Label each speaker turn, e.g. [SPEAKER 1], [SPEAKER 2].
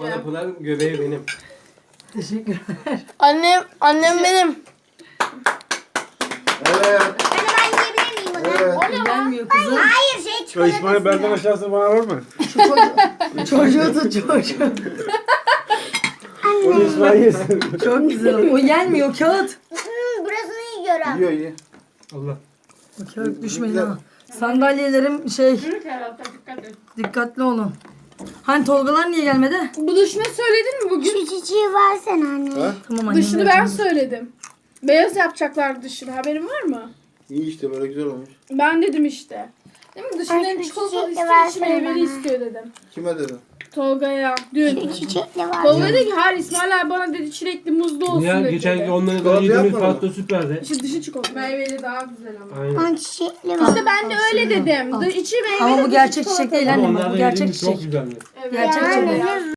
[SPEAKER 1] yapılan göbeği benim.
[SPEAKER 2] Teşekkürler.
[SPEAKER 3] Annem benim.
[SPEAKER 4] Evet.
[SPEAKER 5] Hani ben yiyebilir miyim onu?
[SPEAKER 4] Evet.
[SPEAKER 2] Gelmiyor kızım.
[SPEAKER 5] Hayır şey
[SPEAKER 4] Ya
[SPEAKER 5] çikolatası.
[SPEAKER 4] İsmail benden aşağısı bana var mı?
[SPEAKER 2] Çocuğu tut çocuğu.
[SPEAKER 4] Onu İsmail yesin.
[SPEAKER 2] Çok güzel. O yenmiyor kağıt.
[SPEAKER 5] Burasını yiyorum.
[SPEAKER 4] Yiyor iyi.
[SPEAKER 1] Allah.
[SPEAKER 2] O kağıt düşmeyin ha. Sandalyelerim şey
[SPEAKER 6] Yürü Kerata dikkat et.
[SPEAKER 2] dikkatli olun. Hani Tolgalar niye gelmedi?
[SPEAKER 6] Bu dışını söyledin mi bugün?
[SPEAKER 5] Çiçeği versene anne.
[SPEAKER 4] Ha?
[SPEAKER 2] Tamam annem.
[SPEAKER 6] Dışını ben
[SPEAKER 2] vereceğim.
[SPEAKER 6] söyledim. Beyaz yapacaklar dışını. Haberin var mı?
[SPEAKER 4] İyi işte böyle güzel olmuş.
[SPEAKER 6] Ben dedim işte. Değil mi? Dışını hem
[SPEAKER 5] Ay,
[SPEAKER 6] çikolatalı
[SPEAKER 5] çiçekli
[SPEAKER 6] istiyor, içi
[SPEAKER 5] versene
[SPEAKER 6] meyveli
[SPEAKER 5] bana.
[SPEAKER 6] istiyor dedim.
[SPEAKER 4] Kime dedin?
[SPEAKER 6] Tolga'ya. Dün.
[SPEAKER 5] Çiçekli var.
[SPEAKER 6] Tolga dedi ki hayır İsmail abi bana dedi çilekli muzlu olsun
[SPEAKER 1] Ya
[SPEAKER 6] dedi.
[SPEAKER 1] geçenki onların
[SPEAKER 4] Çikolata
[SPEAKER 1] yediğimiz
[SPEAKER 4] yapmadın mı?
[SPEAKER 1] pasta süperdi.
[SPEAKER 6] İşte dışı çikolata. Meyveli daha güzel ama.
[SPEAKER 1] Aynen.
[SPEAKER 5] Ben çiçekli var.
[SPEAKER 6] İşte ben de öyle dedim. İçi meyveli
[SPEAKER 2] Ama bu
[SPEAKER 6] dışı
[SPEAKER 2] gerçek
[SPEAKER 6] çikolata.
[SPEAKER 2] çiçek değil
[SPEAKER 1] Ama
[SPEAKER 2] annem. Bu
[SPEAKER 1] onlardan
[SPEAKER 2] gerçek
[SPEAKER 1] yediğimiz çok
[SPEAKER 2] çiçek.
[SPEAKER 1] güzeldi.
[SPEAKER 6] Evet.
[SPEAKER 2] Gerçek
[SPEAKER 5] Yani
[SPEAKER 2] çiçek.
[SPEAKER 5] ne